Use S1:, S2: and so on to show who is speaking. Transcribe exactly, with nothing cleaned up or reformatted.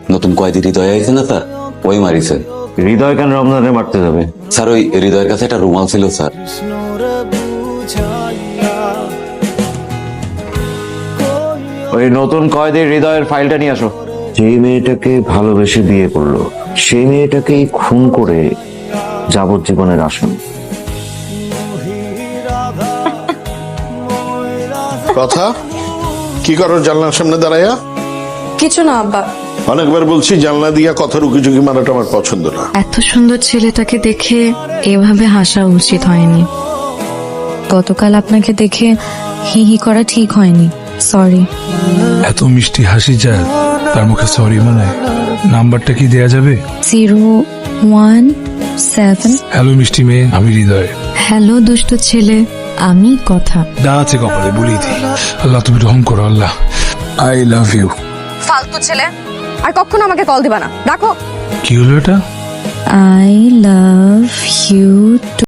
S1: নতুন কয়েদি হৃদয় আছে না স্যার, ওই মারিছে।
S2: হৃদয় কেন রমজানে মারতে যাবে?
S1: স্যার ওই হৃদয়ের কাছে একটা রুমাল ছিল স্যার।
S2: ওই নতুন কয়েদির হৃদয়ের ফাইলটা নিয়ে আসো। যে মেয়েটাকে ভালোবেসে বিয়ে করলো সেই মেয়েটাকেই খুন করে যাবজ্জীবনের আসামি।
S3: কথা কি করো জানলার সামনে দাঁড়াইয়া?
S4: কিছু না আব্বা।
S3: অনেকবার বলছি জানলা দিয়া কথা রুকি ঝুঁকি মারাটা আমার পছন্দ না।
S4: এত সুন্দর ছেলেটাকে দেখে এভাবে হাসা উচিত হয়নি। গতকাল আপনাকে দেখে হি হি করা ঠিক হয়নি, সরি।
S5: এত মিষ্টি হাসি যার, তার মুখে সরি মানে? নাম্বারটা কি দেয়া যাবে?
S4: Zero one seven.
S5: হ্যালো মিষ্টি মেয়ে, আমি হৃদয়।
S4: হ্যালো দুষ্ট ছেলে, আমি কথা।
S5: দা আছে কপালে, বলি দি। আল্লাহ তুমি রহম করো আল্লাহ। I love you.
S6: ফালতু ছেলে, আর কখনো আমাকে কল দিবা না, রাখো।
S5: কি হলো এটা?
S4: I love you.